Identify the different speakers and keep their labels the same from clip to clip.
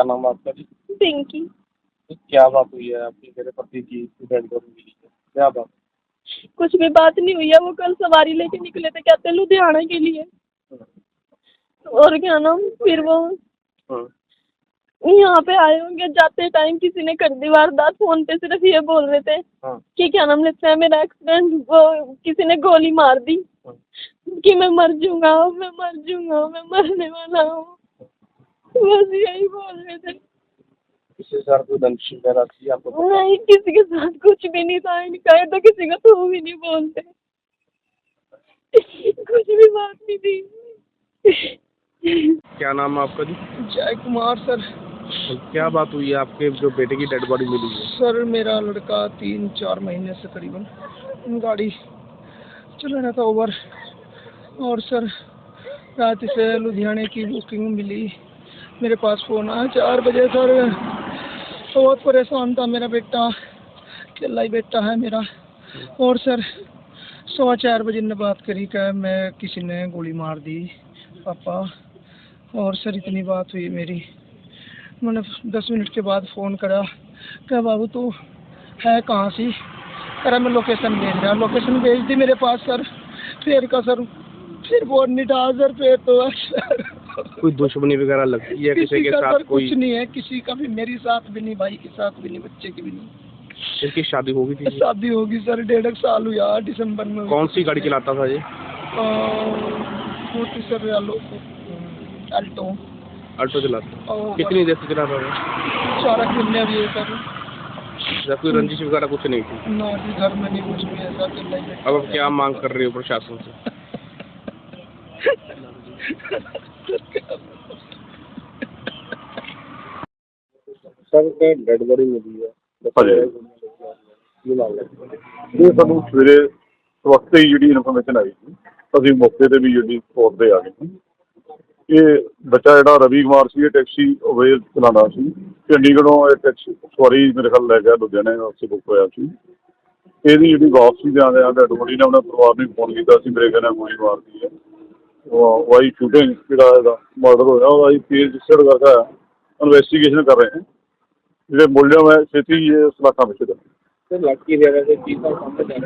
Speaker 1: क्या नाम है आपका जी?
Speaker 2: पिंकी।
Speaker 1: तो क्या बात हुई है आपकी मेरे पति की डेड बॉडी मिली है, क्या बात?
Speaker 2: कुछ भी बात नहीं हुई है, वो कल सवारी लेके निकले थे कहते लुधियाना के लिए। और क्या नाम, फिर वो यहाँ पे आए होंगे, जाते टाइम किसी ने कर दी वारदात। फोन पे सिर्फ ये बोल रहे थे कि क्या नाम लेते हैं, मेरा एक्सीडेंट, वो किसी ने गोली मार दी कि मैं मर जाऊंगा, मैं मर जाऊंगा, मैं मरने वाला हूँ, बस यही बोल रहे थे।
Speaker 1: किसी के साथ कोई दंश वगैरह थी आपको?
Speaker 2: नहीं, किसी के साथ कुछ भी नहीं था इनका, ये तो किसी का तो भी नहीं बोलते, कुछ भी बात नहीं थी।
Speaker 1: क्या नाम है आपका जी?
Speaker 3: जय कुमार सर।
Speaker 1: तो क्या बात हुई है आपके जो बेटे की डेड बॉडी मिली है?
Speaker 3: सर मेरा लड़का 3-4 महीने से करीबन गाड़ी चला रहा था ओवर, और सर रात से लुधियाने की बुकिंग मिली, मेरे पास फ़ोन आया 4 बजे। सर बहुत परेशान था मेरा बेटा, अकेला ही बेटा है मेरा। और सर 4:15 बजे ने बात करी कि मैं किसी ने गोली मार दी पापा। और सर इतनी बात हुई मेरी, मैंने 10 मिनट के बाद फ़ोन करा क्या बाबू तू है कहाँ सी? अरे मैं लोकेशन भेज रहा, लोकेशन भेज दी मेरे पास सर। फिर का सर फिर फोन नहीं था सर, फिर तो सर
Speaker 1: कोई दुश्मनी वगैरह लगती है किसी के
Speaker 3: का
Speaker 1: साथ?
Speaker 3: सर
Speaker 1: कोई
Speaker 3: कुछ नहीं है, किसी का भी, मेरी साथ भी नहीं, भाई के साथ भी नहीं, बच्चे की भी नहीं।
Speaker 1: इनकी शादी होगी थी?
Speaker 3: शादी होगी सर, 1.5 साल हुआ दिसंबर में।
Speaker 1: कौन सी गाड़ी चलाता था ये?
Speaker 3: Sir Alto.
Speaker 1: ऑल्टो चलाता? कितनी देर से चलाता था?
Speaker 3: 4 महीने भी है सर।
Speaker 1: जब कोई रंजिश वगैरह कुछ नहीं थी?
Speaker 3: ना जी, घर में नहीं कुछ भी ऐसा।
Speaker 1: अब आप क्या मांग कर रहे हो प्रशासन से? सर डेड बॉडी मिली है,
Speaker 4: ਇਹ ਸਾਨੂੰ ਸਵੇਰੇ ਵਕਤ ਹੀ ਜਿਹੜੀ ਇਨਫੋਰਮੇਸ਼ਨ ਆਈ ਸੀ, ਅਸੀਂ ਮੌਕੇ ਤੇ ਵੀ ਜਿਹੜੀ ਸਪੋਟ ਤੇ ਆ ਗਏ ਸੀ। ਇਹ ਬੱਚਾ ਜਿਹੜਾ ਰਵੀ ਕੁਮਾਰ ਸੀ, ਇਹ ਟੈਕਸੀ ਅਵੇਲ ਚਲਾਉਂਦਾ ਸੀ, ਚੰਡੀਗੜ੍ਹੋਂ ਇਹ ਟੈਕਸੀ ਸਵਾਰੀ ਮੇਰੇ ਖਿਆਲ ਲੈ ਗਿਆ ਲੁਧਿਆਣੇ ਵਾਸਤੇ ਬੁੱਕ ਹੋਇਆ ਸੀ। ਇਹਦੀ ਜਿਹੜੀ ਵਾਪਸੀ ਦੇ ਆਉਂਦੇ ਡੈਡ ਬੋਡੀ ਨੇ ਆਪਣੇ ਪਰਿਵਾਰ ਨੂੰ ਫੋਨ ਕੀਤਾ ਸੀ, ਮੇਰੇ ਕਹਿੰਦੇ ਗੋਲੀ ਮਾਰਦੀ ਹੈ। ਵਾਈ ਸ਼ੂਟਿੰਗ ਜਿਹੜਾ ਇਹਦਾ ਮਰਡਰ ਹੋਇਆ ਉਹਦਾ ਅਸੀਂ ਕੇਸ ਰਜਿਸਟਰਡ ਕਰਕੇ ਇਨਵੈਸਟੀਗੇਸ਼ਨ ਕਰ ਰਹੇ ਹਾਂ। ਜਿਹੜੇ ਮੁਲਜ਼ਮ ਹੈ ਛੇਤੀ ਇਹ ਸਲਾਖਾਂ ਵਿੱਚ ਦੇ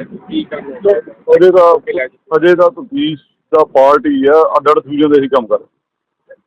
Speaker 4: ਅਜੇ ਦਾ ਤਫਤੀਸ਼ ਦਾ ਪਾਰਟ ਹੀ ਹੈ, ਅੱਡ-ਅੱਡ ਫਿਊਜ਼ਨ ਦੇ ਹੀ ਕੰਮ ਕਰ